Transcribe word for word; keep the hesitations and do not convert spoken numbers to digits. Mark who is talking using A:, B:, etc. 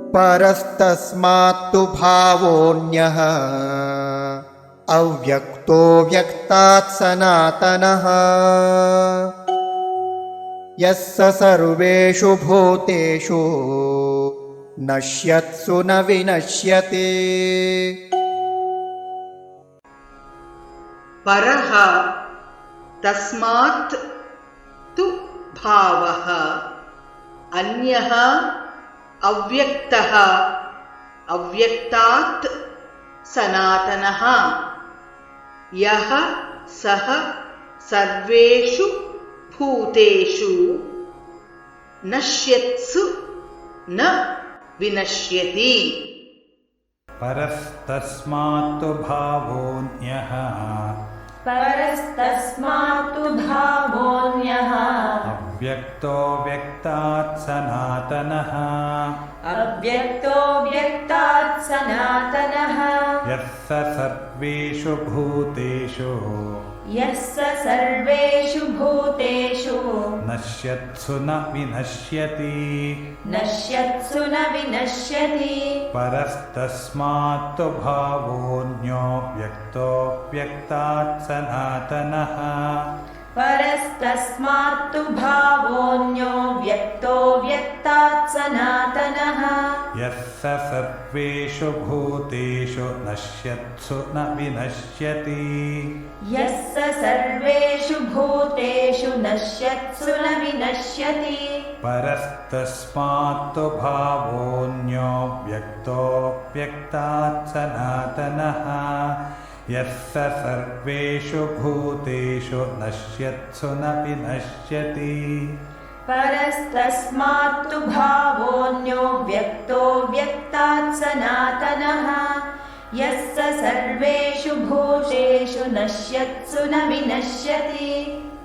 A: परस्तस्मात्तु भावोऽन्यः अव्यक्तो व्यक्तात् सनातनः यस्य सर्वेषु भूतेषु नश्यत्सु न विनश्यति।
B: परः तस्मात् तु भावः अन्यः अव्यक्तः अव्यक्तात् सनातनः यः सः सर्वेषु भूतेषु नश्यत्सु न विनश्यति।
C: परस्तस्मात्तु भावोऽन्यः
D: परस्तस्मात्तु भावोऽन्यः
C: अव्यक्तो व्यक्तात् सनातनः
D: अव्यक्तो व्यक्तात् सनातनः
C: यस्य सर्वेषु भूतेषु
D: यस्य सर्वेषु भूतेषु
C: नश्यत्सु न विनश्यति
D: नश्यत्सु न विनश्यति।
C: परस्तस्मात्तु भावोऽन्यो व्यक्तो व्यक्तात् सनातनः
D: परस्तस्मात्तु भावोऽन्यो व्यक्तो व्यक्तात् सनातनः
C: यस्य सर्वेषु भूतेषु नश्यत्सु न विनश्यति
D: यस्य सर्वेषु भूतेषु नश्यत्सु न विनश्यति।
C: परस्तस्मात्तु भावोऽन्यो व्यक्तो व्यक्तात् सनातनः यस्य सर्वेषु भूतेषु नश्यत्सु न विनश्यति।
D: परस्तस्मात्तु भावोऽन्यो व्यक्तो व्यक्तात् सनातनः यस्य सर्वेषु भूतेषु नश्यत्सु न विनश्यति।